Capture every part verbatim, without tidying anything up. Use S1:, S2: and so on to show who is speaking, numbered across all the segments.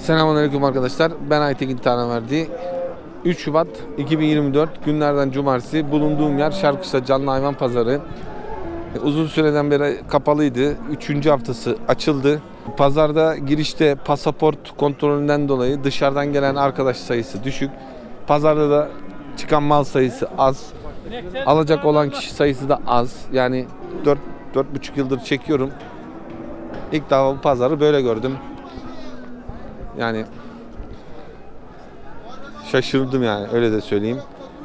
S1: Selamünaleyküm arkadaşlar. Ben Aytekin Tanaverdi. üç Şubat iki bin yirmi dört günlerden cumartesi bulunduğum yer Şarkışla Canlı Hayvan Pazarı. Uzun süreden beri kapalıydı. Üçüncü haftası açıldı. Pazarda girişte pasaport kontrolünden dolayı dışarıdan gelen arkadaş sayısı düşük. Pazarda da çıkan mal sayısı az. Alacak olan kişi sayısı da az. Yani dört dört buçuk yıldır çekiyorum. İlk defa bu pazarı böyle gördüm. Yani şaşırdım yani, öyle de söyleyeyim.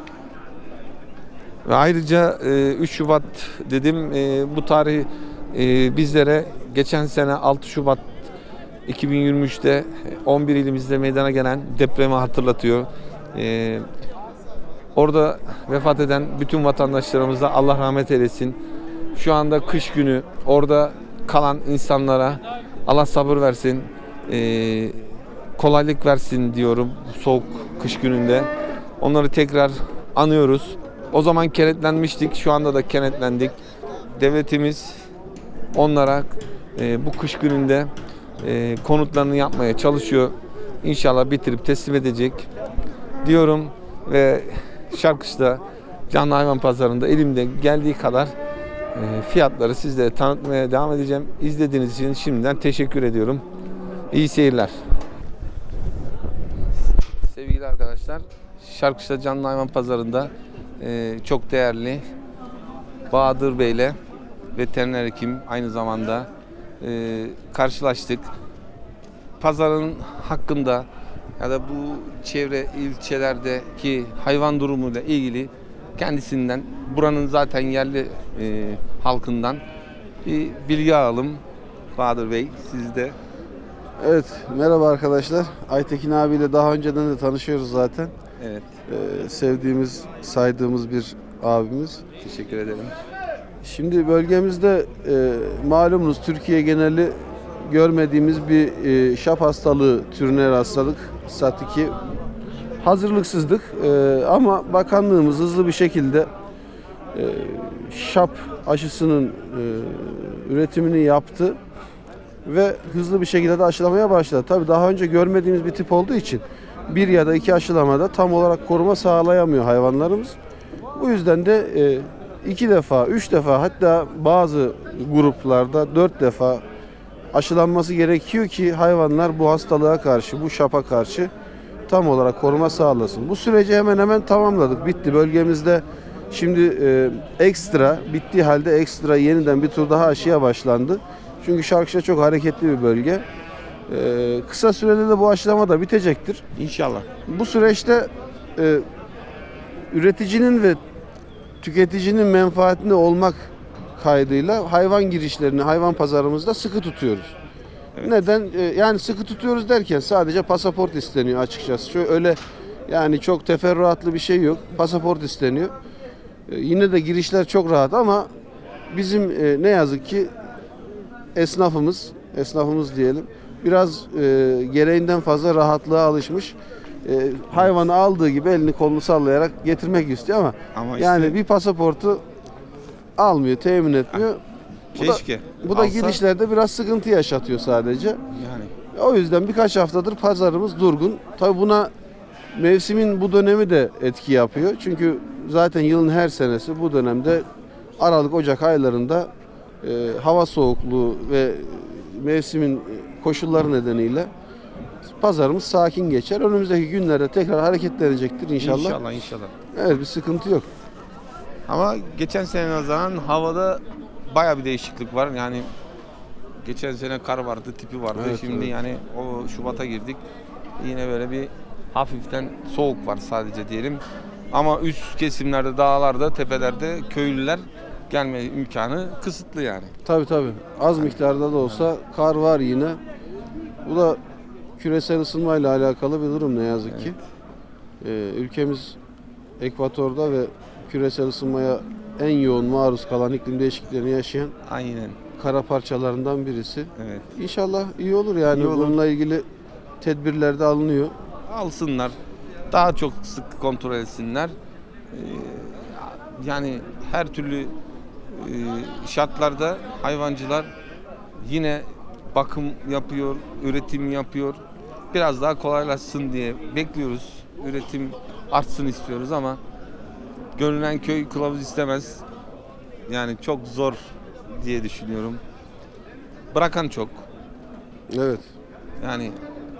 S1: Ve ayrıca üç Şubat dedim, bu tarih bizlere geçen sene altı Şubat iki bin yirmi üçte on bir ilimizde meydana gelen depremi hatırlatıyor. Orada vefat eden bütün vatandaşlarımıza Allah rahmet eylesin. Şu anda kış günü, orada kalan insanlara Allah sabır versin, kolaylık versin diyorum soğuk kış gününde. Onları tekrar anıyoruz. O zaman kenetlenmiştik, şu anda da kenetlendik. Devletimiz onlara e, bu kış gününde e, konutlarını yapmaya çalışıyor. İnşallah bitirip teslim edecek diyorum ve Şarkışla Canlı Hayvan Pazarı'nda elimde geldiği kadar e, fiyatları sizlere tanıtmaya devam edeceğim. İzlediğiniz için şimdiden teşekkür ediyorum. İyi seyirler. Sevgili arkadaşlar, Şarkışla Canlı Hayvan Pazarı'nda e, çok değerli Bahadır Bey'le, veteriner hekim aynı zamanda e, karşılaştık. Pazarın hakkında ya da bu çevre ilçelerdeki hayvan durumuyla ilgili kendisinden, buranın zaten yerli e, halkından bir bilgi alalım. Bahadır Bey, siz de.
S2: Evet, merhaba arkadaşlar. Aytekin abiyle daha önceden de tanışıyoruz zaten.
S1: Evet.
S2: Ee, sevdiğimiz, saydığımız bir abimiz.
S1: Teşekkür ederim.
S2: Şimdi bölgemizde e, malumunuz Türkiye geneli görmediğimiz bir e, şap hastalığı türüne hastalık, SAT iki. Hazırlıksızdık e, ama bakanlığımız hızlı bir şekilde e, şap aşısının e, üretimini yaptı ve hızlı bir şekilde de aşılamaya başladı. Tabii daha önce görmediğimiz bir tip olduğu için bir ya da iki aşılamada tam olarak koruma sağlayamıyor hayvanlarımız. Bu yüzden de iki defa, üç defa, hatta bazı gruplarda dört defa aşılanması gerekiyor ki hayvanlar bu hastalığa karşı, bu şapa karşı tam olarak koruma sağlasın. Bu süreci hemen hemen tamamladık. Bitti. Bölgemizde şimdi e, ekstra, bittiği halde ekstra yeniden bir tur daha aşıya başlandı. Çünkü Şarkışla çok hareketli bir bölge. Ee, kısa sürede de bu aşılama da bitecektir.
S1: İnşallah.
S2: Bu süreçte e, üreticinin ve tüketicinin menfaatinde olmak kaydıyla hayvan girişlerini hayvan pazarımızda sıkı tutuyoruz. Evet. Neden? E, yani sıkı tutuyoruz derken sadece pasaport isteniyor açıkçası. Şöyle öyle yani çok teferruatlı bir şey yok. Pasaport isteniyor. E, yine de girişler çok rahat ama bizim e, ne yazık ki esnafımız, esnafımız diyelim, biraz e, gereğinden fazla rahatlığa alışmış. E, hayvanı aldığı gibi elini kolunu sallayarak getirmek istiyor ama, ama işte, yani bir pasaportu almıyor, temin etmiyor. Bu
S1: keşke.
S2: Da, bu da alsa, girişlerde biraz sıkıntı yaşatıyor sadece.
S1: Yani.
S2: O yüzden birkaç haftadır pazarımız durgun. Tabii buna mevsimin bu dönemi de etki yapıyor. Çünkü zaten yılın her senesi bu dönemde Aralık, Ocak aylarında e, hava soğukluğu ve mevsimin koşulları nedeniyle pazarımız sakin geçer. Önümüzdeki günlerde tekrar hareketlenecektir inşallah.
S1: İnşallah, inşallah.
S2: Evet, bir sıkıntı yok.
S1: Ama geçen sene nazaran havada baya bir değişiklik var. Yani geçen sene kar vardı, tipi vardı.
S2: Evet,
S1: Şimdi
S2: evet.
S1: yani o Şubat'a girdik. Yine böyle bir hafiften soğuk var sadece diyelim. Ama üst kesimlerde, dağlarda, tepelerde köylüler gelme imkanı kısıtlı yani.
S2: Tabii tabii. Az miktarda da olsa kar var yine. Bu da küresel ısınmayla alakalı bir durum ne yazık evet. ki. Ee, ülkemiz ekvatorda ve küresel ısınmaya en yoğun maruz kalan, iklim değişikliklerini yaşayan
S1: aynen
S2: kara parçalarından birisi.
S1: Evet.
S2: İnşallah iyi olur yani. İyi olur. Bununla ilgili tedbirler de alınıyor.
S1: Alsınlar. Daha çok sık kontrol etsinler. Ee, yani her türlü şartlarda hayvancılar yine bakım yapıyor, üretim yapıyor. biraz daha kolaylaşsın diye bekliyoruz. Üretim artsın istiyoruz ama görünen köy kılavuz istemez. Yani çok zor diye düşünüyorum. Bırakan çok.
S2: Evet.
S1: Yani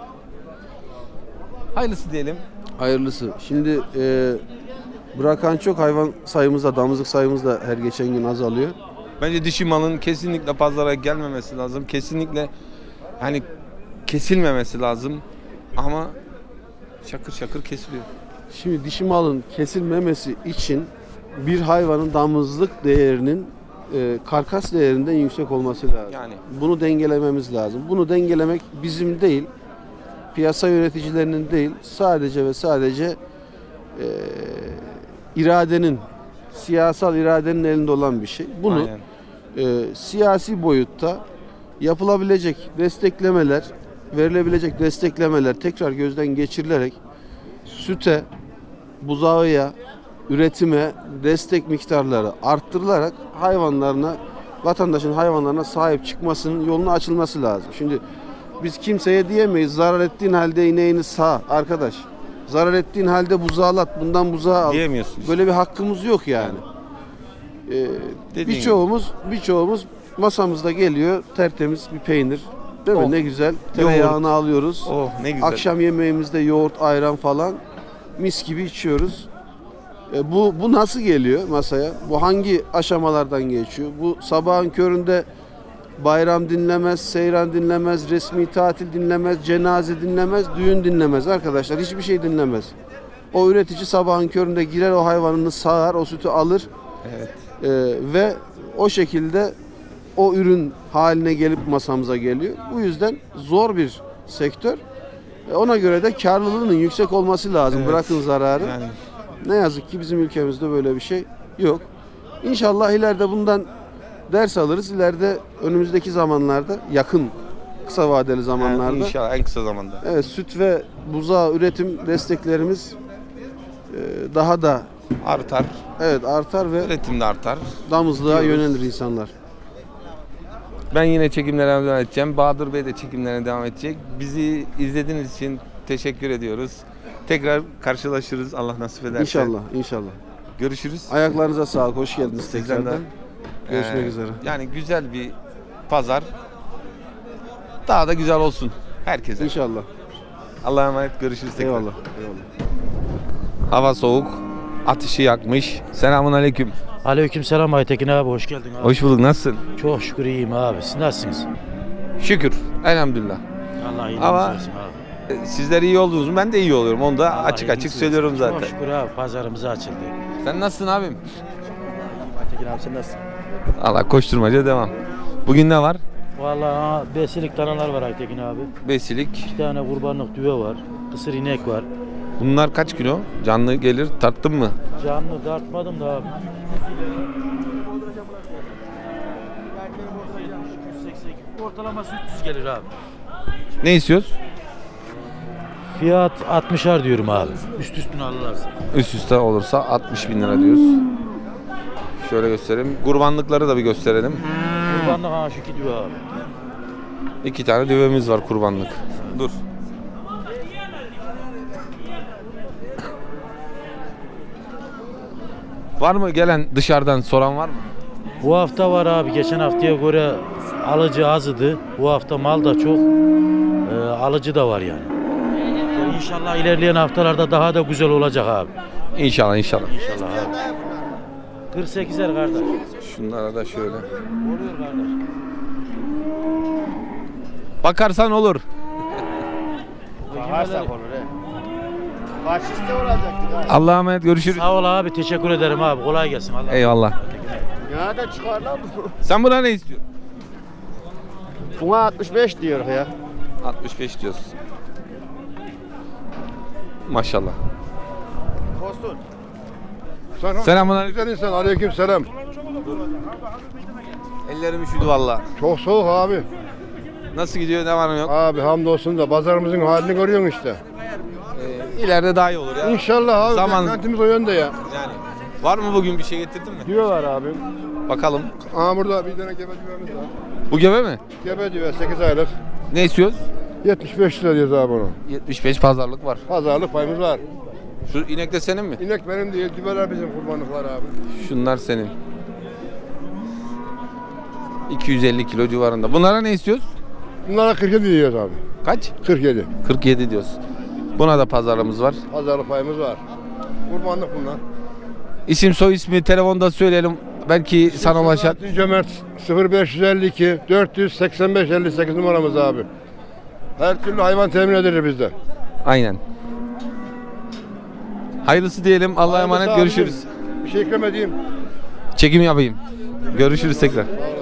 S1: hayırlısı diyelim.
S2: Hayırlısı. Şimdi e, bırakan çok, hayvan sayımız da, damızlık sayımız da her geçen gün azalıyor.
S1: Bence dişi malın kesinlikle pazara gelmemesi lazım. Kesinlikle hani kesilmemesi lazım. Ama şakır şakır kesiliyor.
S2: Şimdi dişi malın kesilmemesi için bir hayvanın damızlık değerinin e, karkas değerinden yüksek olması lazım.
S1: Yani.
S2: Bunu dengelememiz lazım. Bunu dengelemek bizim değil, piyasa yöneticilerinin değil, sadece ve sadece e, iradenin, siyasal iradenin elinde olan bir şey. Bunu
S1: Aynen.
S2: e, siyasi boyutta yapılabilecek desteklemeler, verilebilecek desteklemeler tekrar gözden geçirilerek süte, buzağıya, üretime destek miktarları arttırılarak hayvanlarına, vatandaşın hayvanlarına sahip çıkmasının yoluna açılması lazım. Şimdi biz kimseye diyemeyiz zarar ettiğin halde ineğini sağ arkadaş. Zarar ettiğin halde buzağılat, bundan buzağı al.
S1: Diyemiyorsun işte.
S2: Böyle bir hakkımız yok yani. Ee,
S1: Dediğin
S2: birçoğumuz birçoğumuz masamızda geliyor tertemiz bir peynir. Değil mi?
S1: Oh.
S2: Ne güzel. Tereyağını alıyoruz.
S1: Oh ne güzel.
S2: Akşam yemeğimizde yoğurt, ayran falan mis gibi içiyoruz. E, bu bu nasıl geliyor masaya? Bu hangi aşamalardan geçiyor? Bu sabahın köründe bayram dinlemez, seyran dinlemez, resmi tatil dinlemez, cenaze dinlemez, düğün dinlemez arkadaşlar. Hiçbir şey dinlemez. O üretici sabahın köründe girer, o hayvanını sağar, o sütü alır.
S1: Evet.
S2: E, ve o şekilde o ürün haline gelip masamıza geliyor. Bu yüzden zor bir sektör. E, ona göre de karlılığının yüksek olması lazım.
S1: Evet.
S2: Bırakın zararı.
S1: Yani
S2: Ne yazık ki bizim ülkemizde böyle bir şey yok. İnşallah ileride bundan ders alırız. İleride önümüzdeki zamanlarda, yakın kısa vadeli zamanlarda
S1: yani inşallah en kısa zamanda.
S2: evet, süt ve buzağı üretim desteklerimiz e, daha da
S1: Artar.
S2: evet artar ve
S1: Üretim de artar.
S2: damızlığa
S1: diyoruz.
S2: yönelir insanlar.
S1: Ben yine çekimlere devam edeceğim. Bahadır Bey de çekimlerine devam edecek. Bizi izlediğiniz için teşekkür ediyoruz. Tekrar karşılaşırız Allah nasip ederse.
S2: İnşallah, inşallah.
S1: Görüşürüz.
S2: Ayaklarınıza sağlık, hoş geldiniz
S1: Sizden de.
S2: tekrardan. Görüşmek
S1: Ee,
S2: üzere.
S1: Yani güzel bir pazar. Daha da güzel olsun herkese.
S2: İnşallah.
S1: Allah'a emanet, görüşürüz tekrar.
S2: Eyvallah. Eyvallah.
S1: Hava soğuk. Ateşi yakmış. Selamun aleyküm.
S3: Aleykümselam Aytekin abi, hoş geldin abi.
S1: Hoş bulduk. Nasılsın?
S3: Çok şükür iyiyim abi. Siz nasılsınız?
S1: Şükür. Elhamdülillah.
S3: Allah iyiliğinizi
S1: Ama-
S3: versin abi.
S1: Ee, Sizler iyi olduğunuz mu? Ben de iyi oluyorum. Onu da
S3: Allah
S1: açık açık
S3: iyiliğinizi
S1: söylüyorum
S3: versin.
S1: zaten.
S3: Çok şükür abi, pazarımız açıldı.
S1: Sen nasılsın abim?
S3: Aytekin abi sen nasılsın?
S1: Allah koşturmaca devam. Bugün ne var?
S3: Vallahi besilik danalar var Aytekin abi.
S1: Besilik.
S3: İki tane kurbanlık düve var. Kısır inek var.
S1: Bunlar kaç kilo? Canlı gelir. Tarttın mı?
S3: Canlı dartmadım da abi. Ortalaması üç yüz gelir abi.
S1: Ne istiyoruz?
S3: Fiyat altmışar diyorum abi. Üst üstüne alırlarsa.
S1: Üst üste olursa altmış bin lira diyoruz. Şöyle göstereyim. Kurbanlıkları da bir gösterelim.
S3: Kurbanlık ha şu iki düve abi.
S1: İki tane düvemiz var kurbanlık. Dur. Var mı gelen dışarıdan soran var mı?
S3: Bu hafta var abi. Geçen haftaya göre alıcı azdı. Bu hafta mal da çok. Ee, alıcı da var yani. Yani İnşallah ilerleyen haftalarda daha da güzel olacak abi.
S1: İnşallah inşallah.
S3: İnşallah abi. kırk sekizer kardeş.
S1: Şunlara da şöyle.
S3: Oluyor kardeş.
S1: Bakarsan olur.
S3: Bakarsak olur he.
S4: Faşiste olacaktı.
S1: Allah'a emanet, görüşürüz.
S3: Sağ ol abi. Teşekkür ederim abi. Kolay gelsin. Allah
S1: Eyvallah.
S4: Ya da çıkar lan bu.
S1: Sen buna ne istiyorsun?
S4: Buna altmış beş diyor ya.
S1: altmış beş diyorsun. Maşallah.
S4: Kostun.
S1: Selamünaleyküm.
S5: Güzel insan, aleyküm selam.
S1: Ellerim üşüdü valla.
S5: Çok soğuk abi.
S1: Nasıl gidiyor, ne var ne yok?
S5: Abi hamdolsun da pazarımızın halini görüyorsun işte.
S1: Ee, ileride daha iyi olur ya.
S5: İnşallah abi,
S1: Zaman-
S5: beklentimiz o yönde ya.
S1: Yani. Var mı bugün bir şey getirdin mi?
S5: Diyorlar abi.
S1: Bakalım.
S5: Aa burada bir tane gebe düvemiz var.
S1: Bu gebe mi?
S5: Gebe düve sekiz aylık.
S1: Ne istiyoruz?
S5: yetmiş beş lira diyoruz abi onu.
S1: yetmiş beş pazarlık var.
S5: Pazarlık payımız var.
S1: Şu inek de senin mi?
S5: İnek benim değil, dübeler bizim kurbanlıklar abi.
S1: Şunlar senin. iki yüz elli kilo civarında. Bunlara ne istiyoruz?
S5: Bunlara kırk yedi diyoruz abi.
S1: Kaç?
S5: kırk yedi.
S1: kırk yedi diyoruz. Buna da pazarlığımız var.
S5: Pazarlık payımız var. Kurbanlık bunlar.
S1: İsim soy ismi telefonda söyleyelim. Belki sana ulaşan.
S5: Selahattin Cömert sıfır beş elli iki dört yüz seksen beş elli sekiz numaramız abi. Her türlü hayvan temin edilir bizde.
S1: Aynen. Hayırlısı diyelim. Allah'a
S5: Hayırlısı
S1: emanet.
S5: abicim.
S1: Görüşürüz.
S5: Bir şey eklemediğim.
S1: Çekim yapayım. Görüşürüz tekrar.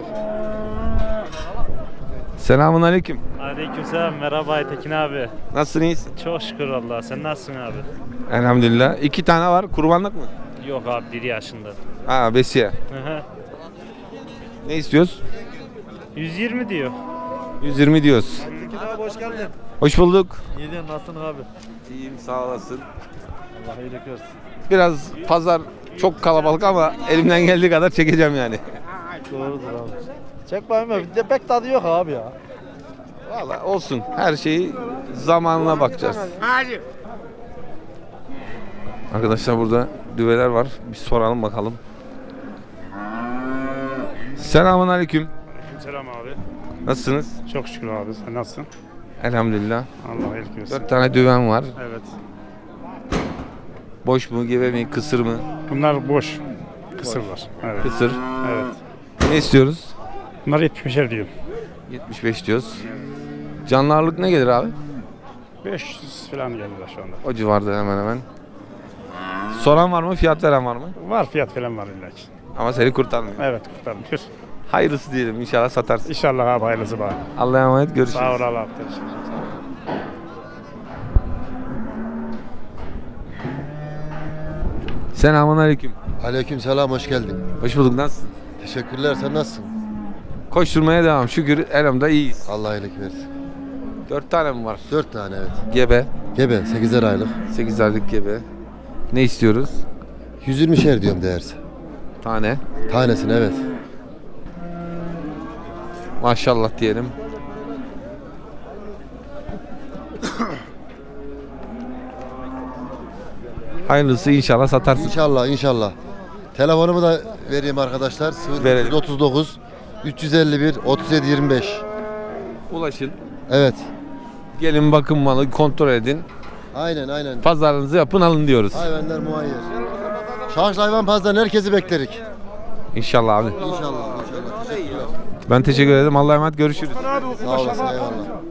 S1: Selamun aleyküm.
S6: Aleykümselam, merhaba Aytekin abi.
S1: Nasılsın, iyisin?
S6: Çok şükür Allah. Sen nasılsın abi?
S1: Elhamdülillah. İki tane var. Kurbanlık mı?
S6: Yok abi, bir yaşında.
S1: Ha, besiye.
S6: Hı hı.
S1: Ne istiyoruz?
S6: yüz yirmi diyor.
S1: yüz yirmi diyoruz.
S7: Abi hoş geldin.
S1: Hoş bulduk.
S7: İyiyim, nasılsın abi?
S1: İyiyim, sağ olasın.
S7: Allah iyilik versin.
S1: Biraz pazar çok kalabalık ama elimden geldiği kadar çekeceğim yani.
S7: Doğrudur abi. Çek bakayım ya. Bir de pek tadı yok abi ya.
S1: Vallahi olsun. Her şeyi zamanına bakacağız. Arkadaşlar burada düveler var. Bir soralım bakalım. Selamun aleyküm.
S6: Selam abi.
S1: Nasılsınız?
S6: Çok şükür abi. Sen nasılsın?
S1: Elhamdülillah.
S6: Allah iyilik versin.
S1: Dört tane düven var.
S6: Evet.
S1: Boş mu, gebe mi, kısır mı?
S6: Bunlar boş. Kısırlar. Evet.
S1: Kısır.
S6: Evet.
S1: Ne istiyoruz?
S6: Bunlar yetmişer diyor.
S1: yetmiş beş diyoruz. Canlı ağırlık ne gelir abi?
S6: beş yüz falan geldiler şu anda.
S1: O civarda hemen hemen. Soran var mı? Fiyat veren var mı?
S6: Var, fiyat falan var illa ki.
S1: Ama seni kurtarmıyor.
S6: Evet, kurtarmıyor.
S1: Hayırlısı diyelim. İnşallah satarsın.
S6: İnşallah abi, hayırlısı bana.
S1: Allah'a emanet. Görüşürüz.
S6: Sağ ol Allah. Teşekkür ederim.
S1: Selamun aleyküm.
S8: Aleykümselam, hoş geldin.
S1: Hoş bulduk. Nasılsın?
S8: Teşekkürler, sen nasılsın?
S1: Koşturmaya devam. Şükür elhamda iyiyiz.
S8: Allah iyilik versin.
S1: Dört tane mi var?
S8: Dört tane evet.
S1: Gebe.
S8: Gebe, sekizer aylık.
S1: Sekiz aylık gebe. Ne istiyoruz?
S8: yüz yirmi şer diyorum değerse.
S1: Tane.
S8: Tanesine evet.
S1: Maşallah diyelim. Hayırlısı inşallah satarsın.
S8: İnşallah, inşallah. Telefonumu da vereyim arkadaşlar.
S1: Verelim.
S8: sıfır otuz dokuz üç yüz elli bir otuz yedi yirmi beş.
S1: Ulaşın.
S8: Evet.
S1: Gelin bakın malı kontrol edin.
S8: Aynen, aynen.
S1: Pazarınızı yapın alın diyoruz.
S8: Hayvanlar muayyer. Şarj hayvan pazarından herkesi beklerik.
S1: İnşallah abi.
S8: İnşallah, inşallah. Teşekkürler.
S1: Ben teşekkür ederim. Allah'a emanet. Görüşürüz.
S8: Sağ olasın, eyvallah.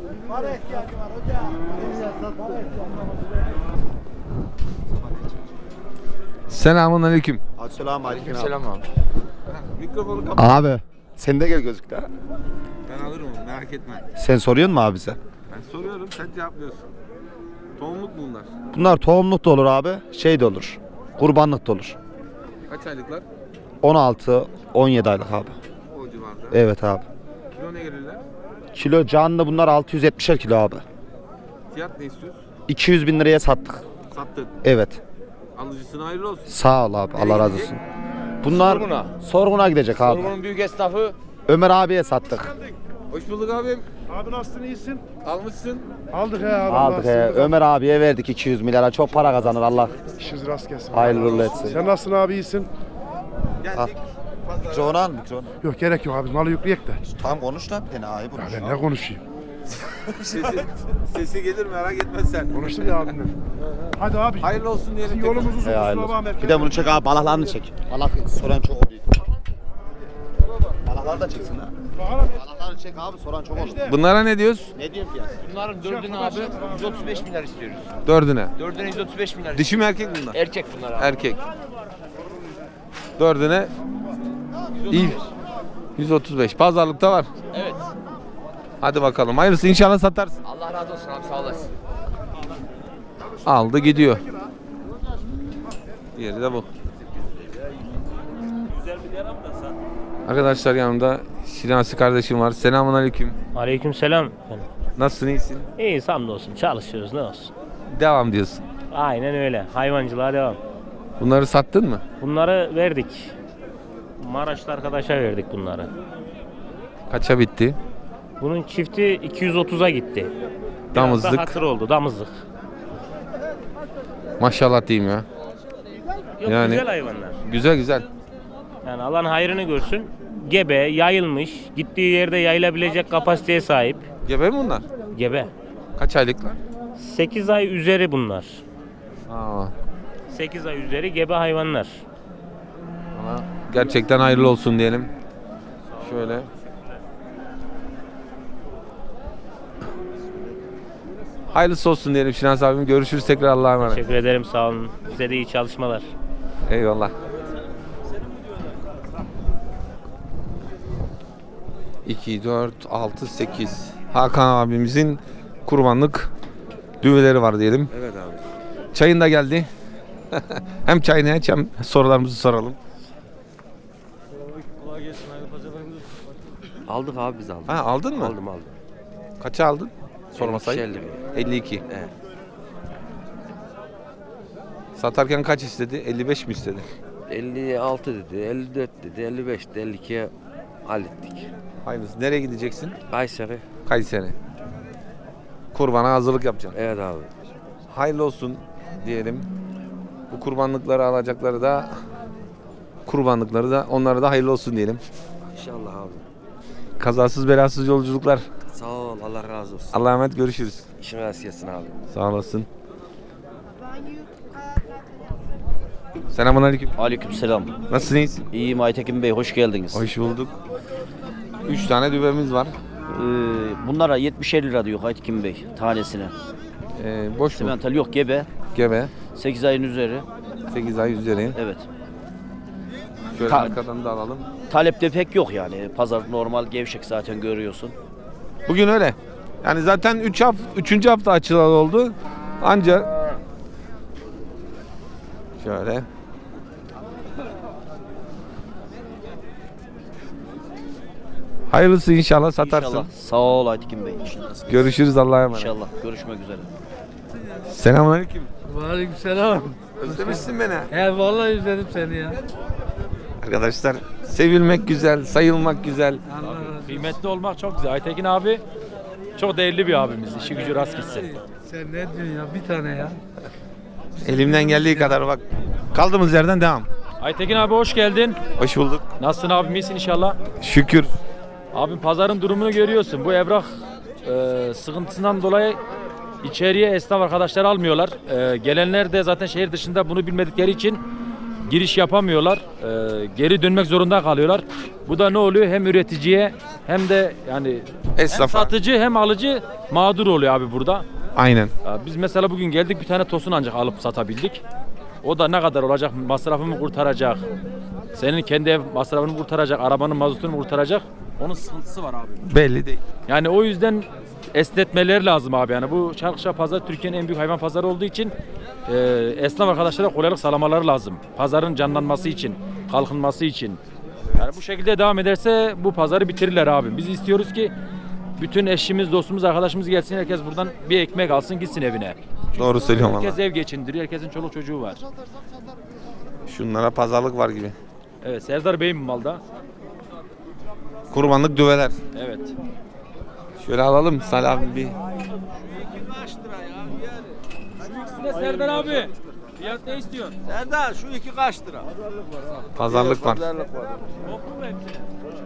S1: Selamun aleyküm.
S4: Assalamu aleyküm.
S1: Selam abi. Mikrofonu kapat.
S4: Abi sen de gel gözükle.
S1: Ben alırım onu, merak etme.
S4: Sen soruyorsun mu abi bize?
S1: Ben soruyorum, sen cevaplıyorsun. Tohumluk mu bunlar?
S4: Bunlar tohumluk da olur abi, şey de olur. Kurbanlık da olur.
S1: Kaç aylıklar?
S4: on altı on yedi aylık abi.
S1: O civarda.
S4: Evet abi.
S1: Kilo ne gelirler?
S4: Kilo canlı bunlar altı yüz yetmişer kilo abi.
S1: Fiyat ne istiyorsun?
S4: iki yüz bin liraya sattık.
S1: Sattık.
S4: Evet.
S1: Alıcısına hayırlı olsun.
S4: Sağ ol abi.
S1: Nereye
S4: Allah razı
S1: gidecek?
S4: olsun. Bunlar
S1: Sorguna.
S4: sorguna gidecek abi.
S1: Sorgunun büyük esnafı.
S4: Ömer abiye sattık.
S1: Hoş bulduk abim.
S5: Abi nasılsın, iyisin?
S1: Almışsın.
S5: Aldık he abi.
S4: Aldık he. Ömer abiye verdik iki yüz milyara. Çok para kazanır Allah.
S5: İşiniz rast gelsin.
S4: Hayırlı uğurlu etsin.
S5: Sen nasılsın abi, iyisin?
S1: Geldik.
S7: Mikrofonu al mikrofonu.
S5: Yok, gerek yok abi, malı yükleyek de.
S7: Tamam konuş lan bir tane ayıp
S5: Ya
S7: olmuş.
S5: ben ne konuşayım?
S1: Sesi, sesi gelir merak etme sen.
S5: Konuştum ya abimle. Hadi abi.
S1: Hayırlı olsun diyelim. tekrar.
S5: Yolumuz uzun.
S4: He, hayırlı
S5: kusura bakma,
S4: Bir de bunu çek abi. Balaklarını çek. Balak soran çok oluyor. Balakları da çeksin ha. Balaklarını çek abi, soran çok olur.
S1: Bunlara ne diyoruz?
S4: Ne diyorsun fiyat?
S9: Bunların dördünü abi yüz otuz beş milyar istiyoruz.
S1: Dördüne.
S9: Dördüne yüz otuz beş milyar.
S1: Dişi mi erkek mi bunlar?
S9: Erkek bunlar abi.
S1: Erkek. Dördüne iyi. yüz otuz beş. Pazarlıkta var.
S9: Evet.
S1: Hadi bakalım. Hayırlısı inşallah satarsın.
S9: Allah razı olsun abi, sağ olasın.
S1: Aldı gidiyor. Diğeri de bu. Arkadaşlar yanımda Şinasi kardeşim var. Selamun aleyküm.
S10: Aleykümselam.
S1: Nasılsın, iyisin?
S10: İyi, hamdolsun, çalışıyoruz, ne olsun.
S1: Devam diyorsun.
S10: Aynen öyle, hayvancılığa devam.
S1: Bunları sattın mı?
S10: Bunları verdik. Maraşlı arkadaşa verdik bunları.
S1: Kaça bitti?
S10: Bunun çifti iki yüz otuza gitti. Biraz da
S1: Damızlık.
S10: hatır oldu damızlık.
S1: Maşallah diyeyim ya.
S10: Yok,
S1: Yani-
S10: güzel hayvanlar.
S1: Güzel güzel.
S10: Yani Allah'ın hayrını görsün. Gebe, yayılmış, gittiği yerde yayılabilecek kapasiteye sahip.
S1: Gebe mi bunlar?
S10: Gebe.
S1: Kaç aylıklar?
S10: sekiz ay üzeri bunlar.
S1: Aa,
S10: sekiz ay üzeri gebe hayvanlar.
S1: ama gerçekten hayırlı olsun diyelim. Şöyle. Hayırlısı olsun diyelim Şinas abim. Görüşürüz tekrar, Allah'a emanet.
S10: Teşekkür ederim, sağ olun. Size de iyi çalışmalar.
S1: Eyvallah. iki, dört, altı, sekiz. Hakan abimizin kurbanlık düveleri var diyelim.
S9: Evet abi.
S1: Çayın da geldi. Hem çayını iç hem sorularımızı soralım.
S9: Aldık abi biz aldık.
S1: Ha, aldın mı?
S9: Aldım aldım.
S1: Kaça aldın? Sorma sayı.
S9: elli.
S1: elli iki.
S9: Evet.
S1: Satarken kaç istedi? elli beş mi istedi?
S9: elli altı dedi, elli dört dedi, elli beş dedi, elli ikiye hallettik.
S1: Hayırlısı. Nereye gideceksin?
S9: Kayseri.
S1: Kayseri. Kurbana hazırlık yapacaksın.
S9: Evet abi.
S1: Hayırlı olsun diyelim. Bu kurbanlıkları alacakları da kurbanlıkları da onlara da hayırlı olsun diyelim.
S9: İnşallah abi.
S1: Kazasız belasız yolculuklar.
S9: Sağ ol, Allah razı olsun.
S1: Allah'a emanet, görüşürüz.
S9: İşin rast gelsin abi.
S1: Sağ olasın. Selamünaleyküm.
S11: Aleykümselam.
S1: Nasılsın, iyisin?
S11: İyiyim Aytekin Bey, hoş geldiniz.
S1: Hoş bulduk. Üç tane düvemiz var.
S11: Ee, bunlara yetmiş lira diyor Aytekin Bey tanesine.
S1: Ee, boş mu?
S11: Simental yok, gebe.
S1: Gebe.
S11: sekiz ayın üzeri.
S1: sekiz ay üzeri.
S11: Evet.
S1: Şöyle
S11: Ta-
S1: arkadan da alalım.
S11: Talepte pek yok yani. Pazar normal gevşek zaten görüyorsun.
S1: Bugün öyle. Yani zaten üç hafta, üçüncü hafta açılalı oldu. Ancak şöyle. Hayırlısı inşallah satarsın.
S11: İnşallah. Sağ ol Aytekin Bey. İnşallah.
S1: Görüşürüz, Allah'a emanet.
S11: İnşallah. Görüşmek üzere.
S1: Selamünaleyküm.
S7: Aleykümselam.
S1: Özlemişsin beni.
S7: He vallahi özledim seni ya.
S1: Arkadaşlar, sevilmek güzel, sayılmak güzel.
S12: Kıymetli olmak çok güzel. Aytekin abi çok değerli bir abimiz. İşi gücü rast gitsin.
S7: Sen ne diyorsun ya? Bir tane ya.
S1: Elimden geldiği kadar bak. Kaldığımız yerden devam.
S12: Aytekin abi hoş geldin.
S1: Hoş bulduk.
S12: Nasılsın abim, iyisin inşallah?
S1: Şükür.
S12: Abim pazarın durumunu görüyorsun. Bu evrak e, sıkıntısından dolayı içeriye esnaf arkadaşlar almıyorlar. E, gelenler de zaten şehir dışında bunu bilmedikleri için giriş yapamıyorlar. E, geri dönmek zorunda kalıyorlar. Bu da ne oluyor? Hem üreticiye hem de yani hem
S1: Esnafa.
S12: satıcı hem alıcı mağdur oluyor abi burada.
S1: Aynen.
S12: Ya biz mesela bugün geldik, bir tane tosun ancak alıp satabildik. O da ne kadar olacak? Masrafımı kurtaracak. Senin kendi ev masrafını kurtaracak, arabanın mazotunu kurtaracak. Onun sıkıntısı var abi.
S1: Belli değil.
S12: Yani o yüzden esnetmeler lazım abi. Yani bu Çarkışla Pazar Türkiye'nin en büyük hayvan pazarı olduğu için e, esnaf arkadaşlara kolaylık sağlamaları lazım. Pazarın canlanması için, kalkınması için. Yani bu şekilde devam ederse bu pazarı bitirirler abi. Biz istiyoruz ki bütün eşimiz, dostumuz, arkadaşımız gelsin, herkes buradan bir ekmek alsın, gitsin evine.
S1: Doğru söylüyorum
S12: Herkes
S1: valla.
S12: ev geçindiriyor, herkesin çoluk çocuğu var.
S1: Şunlara pazarlık var gibi.
S12: Evet, Serdar Bey'in bu malda.
S1: Kurbanlık düveler.
S12: Evet.
S1: Şöyle alalım Salih abi bir.
S12: Serdar abi, fiyat ne istiyorsun?
S7: Serdar şu iki kaç lira?
S1: Pazarlık var.
S12: Toplu mu hepsi?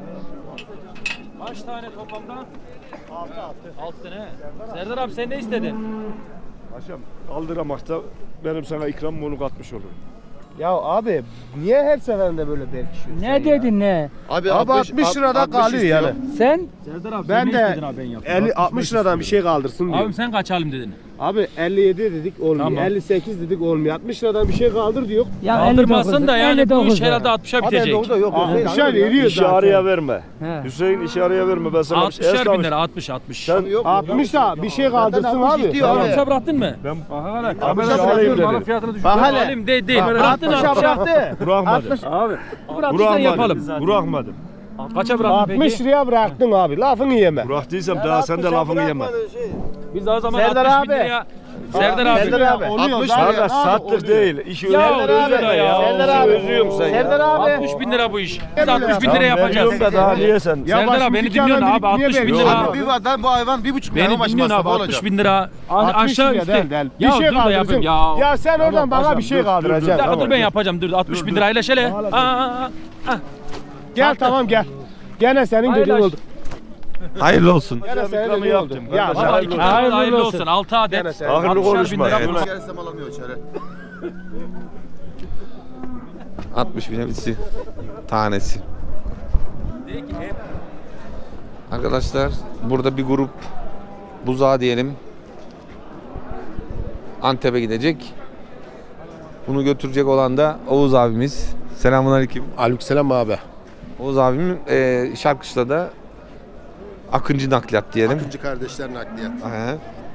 S12: Kaç tane toplamda? Altı altı. Altı tane. Serdar abi sen ne istedin?
S6: Paşam aldıramakta benim sana ikramım onu katmış olur.
S8: Ya abi niye her seferinde böyle berkişiyorsun?
S7: Ne dedin ne?
S8: Abi, abi altmış lirada kalıyor yani.
S7: Sen?
S12: Serdar abi
S8: Ben
S12: sen
S8: de
S12: ne istedin abi ben yapayım?
S8: elli altmış liradan bir şey kaldırsın diyor.
S12: Abim sen kaç alayım dedin?
S8: Abi elli yedi dedik olmuyor.
S12: Tamam.
S8: elli sekiz dedik olmuyor. altmış liradan bir şey kaldır diyor.
S7: Ya
S12: Kaldırmasın da yani bu iş
S7: elli dokuz
S12: herhalde altmışa
S8: Abi
S12: bitecek.
S8: dokuzda yok. altmışa veriyor
S6: İşi
S8: zaten.
S6: araya verme.
S7: He.
S6: Hüseyin işi araya verme ben sana bir şey
S12: altmışar bin
S6: esnaf-
S12: lira, altmış altmış.
S6: Sen
S8: altmış da bir şey kaldırsın abi.
S12: altmışa bıraktın mı?
S6: Ben
S12: Aha hele.
S6: altmışa
S12: Abi,
S6: alayım
S12: malın
S6: dedim.
S12: fiyatını düşün.
S8: Bak
S12: Yok,
S8: hele.
S12: alayım değil değil.
S8: Bak,
S12: Bıraktın
S8: altmışa
S12: altmışa.
S8: bıraktı.
S6: bırakmadım.
S12: Abi. Bıraktıysan yapalım.
S6: Bırakmadım. Bırakmadım.
S12: Kaça bıraktın
S8: altmış
S12: peki?
S8: liraya bıraktın abi. Lafını yeme.
S6: Bıraktıysam daha sen de lafını yeme.
S12: Biz o zaman
S8: Serdar
S12: altmış bin
S8: abi.
S12: liraya Serdar abi.
S7: Serdar abi.
S8: altmış
S6: Kardeş sattık değil. İşi
S12: Ya
S6: öyle.
S12: öyle ya.
S7: Serdar abi.
S6: Özüyorum sen ya.
S7: Serdar abi.
S12: altmış bin lira bu iş. Biz altmış bin lira yapacağız.
S6: Veriyorum da daha niye sen?
S12: Serdar abi beni dinliyorsun abi altmış bin
S8: Abi
S12: lira.
S8: bir vadan bu hayvan bir buçuk milyon
S12: Beni
S8: başı
S12: dinliyorsun
S8: masrafı
S12: abi
S8: olacak.
S12: altmış bin lira. A- Aşağı
S6: bin lira
S12: üstü.
S6: değil, değil. Bir
S12: Ya
S6: şey
S12: dur da yapayım
S6: kaldıracaksın.
S12: ya.
S6: Ya sen oradan bana bir şey
S12: Bir
S6: kaldıracaksın.
S12: dakika
S6: Tamam.
S12: dur ben yapacağım dur altmış bin lirayla şöyle. Aa, aa, aa.
S6: Gel tamam gel. Gene senin
S12: Hayırlı
S6: dediğin
S12: olsun.
S6: oldu.
S1: Hayırlı olsun.
S6: Gene senin dediğin oldu. Ya
S12: Baba
S6: hayırlı
S12: iki
S6: olsun.
S12: tane hayırlı olsun. altı adet.
S6: Hayırlı
S12: altmışar bin
S6: konuşma,
S12: lira
S6: evet.
S12: buna.
S8: İçerisi mal almıyor içeri.
S1: altmış bine bitsi. Tanesi. Arkadaşlar burada bir grup buzağı diyelim. Antep'e gidecek. Bunu götürecek olan da Oğuz abimiz. Selamünaleyküm.
S5: Aleykümselam abi.
S1: Oğuz abimin e, Şarkışla'da Akıncı nakliyat diyelim.
S5: Akıncı kardeşler nakliyat.
S1: He.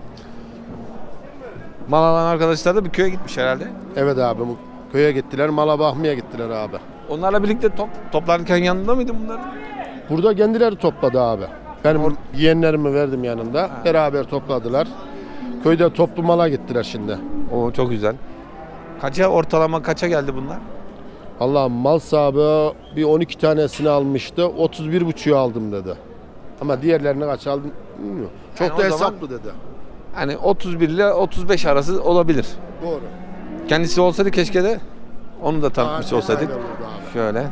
S1: Mal alan arkadaşlar da bir köye gitmiş herhalde.
S5: Evet abi bu köye gittiler, mala bakmaya gittiler abi.
S1: Onlarla birlikte top, toplarken yanında mıydı bunların?
S5: Burada kendileri topladı abi. Benim yeğenlerimi verdim yanında. Beraber topladılar. Köyde toplu mala gittiler şimdi.
S1: O çok güzel. Kaça ortalama kaça geldi bunlar?
S5: Allah mal sahibi bir on iki tanesini almıştı. otuz bir buçuğu aldım dedi. Ama diğerlerini kaç aldım bilmiyorum. Çok
S1: Yani
S5: da
S1: o zaman-
S5: hesaplı dedi.
S1: Hani otuz bir ile otuz beş arası olabilir.
S5: Doğru.
S1: Kendisi olsaydı keşke de onu da tanıtmış
S5: Daha
S1: olsaydık.
S5: detaylı olurdu abi.
S1: Şöyle.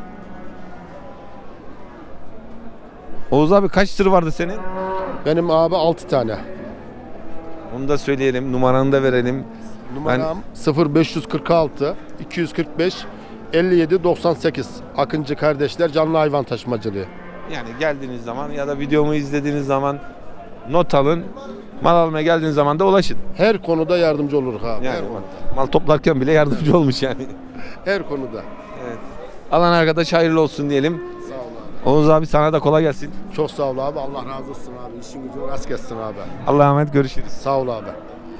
S1: Oğuz abi kaç tır vardı senin?
S5: Benim abi altı tane.
S1: Onu da söyleyelim. Numaranı da verelim.
S5: Numaram sıfır beş kırk altı iki yüz kırk beş elli yedi doksan sekiz. Akıncı kardeşler canlı hayvan taşımacılığı.
S1: Yani geldiğiniz zaman ya da videomu izlediğiniz zaman not alın. Mal almaya geldiğiniz zaman da ulaşın.
S5: Her konuda yardımcı oluruz abi.
S1: Yani
S5: her konuda.
S1: mal toplarken bile yardımcı olmuş yani.
S5: Her konuda.
S1: Evet. Alan arkadaş hayırlı olsun diyelim.
S5: Sağ ol abi.
S1: Oğuz abi sana da kolay gelsin.
S5: Çok sağ ol abi. Allah razı olsun abi. İşin gücün rast gelsin abi.
S1: Allah'a emanet, görüşürüz.
S5: Sağ ol abi.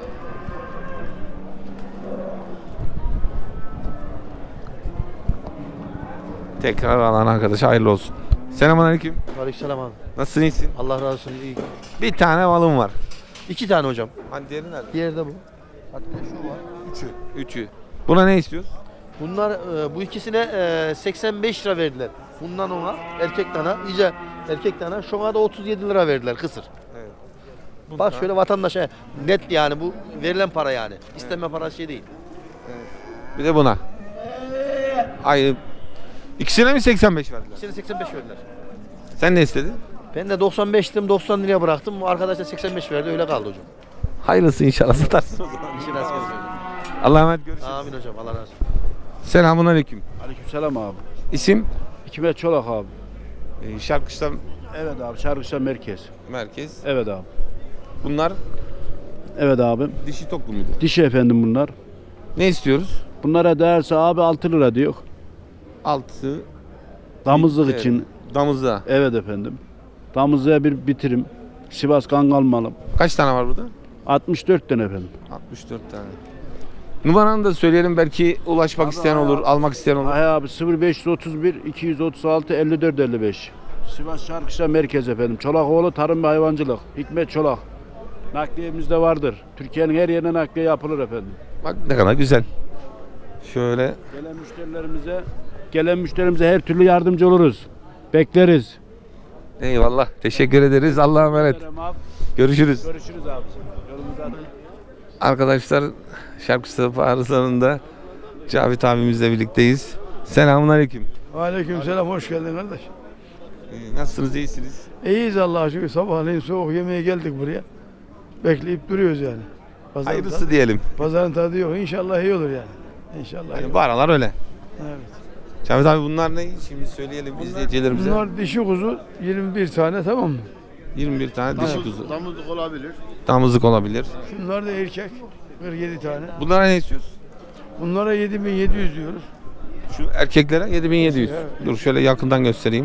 S1: Tekrar alan arkadaş hayırlı olsun. Selamünaleyküm.
S8: Aleykümselam abi.
S1: Nasılsın, iyisin?
S8: Allah razı olsun. İyi.
S1: Bir tane malım var.
S8: İki tane hocam.
S1: Hani diğeri nerede?
S8: Diğeri de bu. Hatta şu var. Üçü.
S1: Üçü. Buna ne istiyoruz?
S8: Bunlar e, bu ikisine e, seksen beş lira verdiler. Bundan ona erkek dana, iyice erkek dana, şuna da otuz yedi lira verdiler kısır.
S1: Evet.
S8: Bak şöyle vatandaşa net yani bu verilen para yani. İsteme parası şey değil.
S1: Bir de buna. Ay, ikisine mi seksen beş verdiler?
S8: İkisine seksen beş verdiler.
S1: Sen ne istedin?
S8: Ben de doksan beş dedim, doksan liraya bıraktım. Bu arkadaş da seksen beş verdi, öyle kaldı hocam.
S1: Hayırlısı inşallah satarsın o zaman.
S8: İşin rast gelsin.
S1: Allah'a emanet, görüşürüz.
S8: Amin hocam, Allah razı olsun.
S1: Selamünaleyküm.
S6: Aleykümselam abi.
S1: İsim?
S6: Hikmet Çolak abi.
S1: Ee, Şarkışla
S6: Evet abi. Şarkışla merkez.
S1: merkez.
S6: Evet abi.
S1: Bunlar
S6: Evet abi.
S1: dişi toklu muydu?
S6: Dişi efendim bunlar.
S1: Ne istiyoruz?
S6: Bunlara değerse abi altı lira diyor.
S1: Altı.
S6: Damızlık
S1: Evet.
S6: için.
S1: Damızda.
S6: Evet efendim. Damızlığa bir bitirim. Sivas Kangal malım.
S1: Kaç tane var burada?
S6: altmış dört tane efendim.
S1: altmış dört tane. Numaranı da söyleyelim, belki ulaşmak
S6: Abi,
S1: isteyen
S6: abi.
S1: olur, almak isteyen olur.
S6: Ay abi sıfır beş otuz bir iki yüz otuz altı elli dört elli beş. Sivas Şarkışla merkez efendim. Çolakoğlu Tarım ve Hayvancılık. Hikmet Çolak. Nakliyemizde vardır. Türkiye'nin her yerine nakliye yapılır efendim.
S1: Bak ne kadar güzel. Şöyle.
S6: Gelen müşterilerimize gelen müşterimize her türlü yardımcı oluruz. Bekleriz.
S1: Eyvallah. Teşekkür ederiz. Allah'a emanet. Görüşürüz.
S6: Görüşürüz abi. Yolumuza
S1: Arkadaşlar Şarkışla arızlarında Cavit abimizle birlikteyiz. Selamünaleyküm.
S13: Aleykümselam, hoş geldin kardeş.
S1: Ee, nasılsınız, iyisiniz?
S13: İyiyiz Allah'a şükür. Sabahleyin soğuk yemeğe geldik buraya. Bekleyip duruyoruz yani. Pazarın
S1: Hayırlısı
S13: tadı-
S1: diyelim.
S13: Pazarın tadı yok. İnşallah iyi olur yani. İnşallah. iyi
S1: Yani
S13: olur.
S1: bu aralar öyle.
S13: Evet.
S1: Cavit abi bunlar ne? Şimdi söyleyelim izleyicilerimize.
S13: Bunlar dişi kuzu yirmi bir tane, tamam mı?
S1: yirmi bir tane dişi kuzu.
S5: Damızlık olabilir.
S1: Damızlık olabilir.
S13: Şunlar da erkek. kırk yedi tane.
S1: Bunlara ne istiyoruz?
S13: Bunlara yedi bin yedi yüz diyoruz.
S1: Şu erkeklere yedi bin yedi yüz.
S13: Evet.
S1: Dur şöyle yakından göstereyim.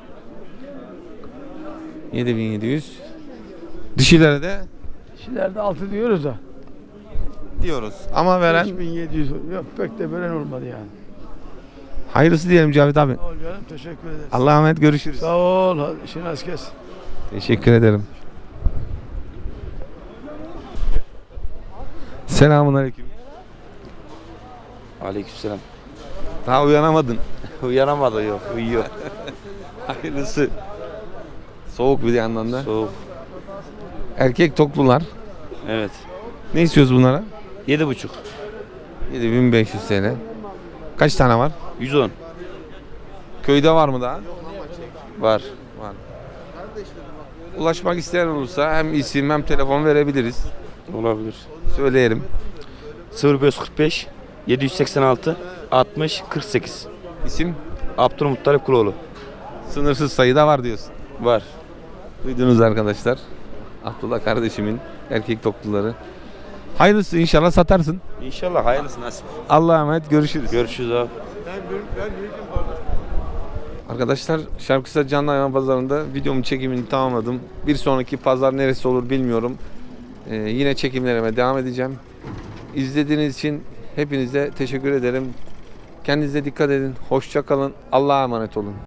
S1: yedi bin yedi yüz. Dişilere de
S13: Dişilerde altı diyoruz da.
S1: diyoruz. Ama veren
S13: beş bin yedi yüz. Yok, pek de veren olmadı yani.
S1: hayırlısı diyelim Cavit abi.
S13: Sağ ol canım, teşekkür ederiz.
S1: Allah'a emanet, görüşürüz.
S13: Sağ ol. Hadi işin az kes.
S1: Teşekkür ederim. Selamun aleyküm.
S14: Aleykümselam.
S1: Daha uyanamadın.
S14: Uyanamadı yok, uyuyor.
S1: Hayırlısı. Soğuk bir yandan da.
S14: Soğuk.
S1: Erkek toklular.
S14: Evet.
S1: Ne istiyoruz bunlara?
S14: Yedi buçuk.
S1: yedi bin beş yüz T L. Kaç tane var?
S14: Yüz on.
S1: Köyde var mı daha?
S14: Var.
S1: Var. Ulaşmak isteyen olursa hem isim hem telefon verebiliriz.
S14: Olabilir.
S1: Söyleyelim.
S14: sıfır beş kırk beş yedi yüz seksen altı altmış kırk sekiz.
S1: İsim?
S14: Abdülmuttalip Kuloğlu.
S1: Sınırsız sayıda var diyorsun.
S14: Var.
S1: Duydunuz arkadaşlar. Abdullah kardeşimin erkek tokluları. Hayırlısı, inşallah satarsın.
S14: İnşallah hayırlısı nasip.
S1: Allah'a emanet, görüşürüz.
S14: Görüşürüz abi.
S1: Arkadaşlar Şarkısa Canlı Hayvan Pazarı'nda videomun çekimini tamamladım. Bir sonraki pazar neresi olur bilmiyorum. Ee, yine çekimlerime devam edeceğim. İzlediğiniz için hepinize teşekkür ederim. Kendinize dikkat edin. Hoşça kalın. Allah'a emanet olun.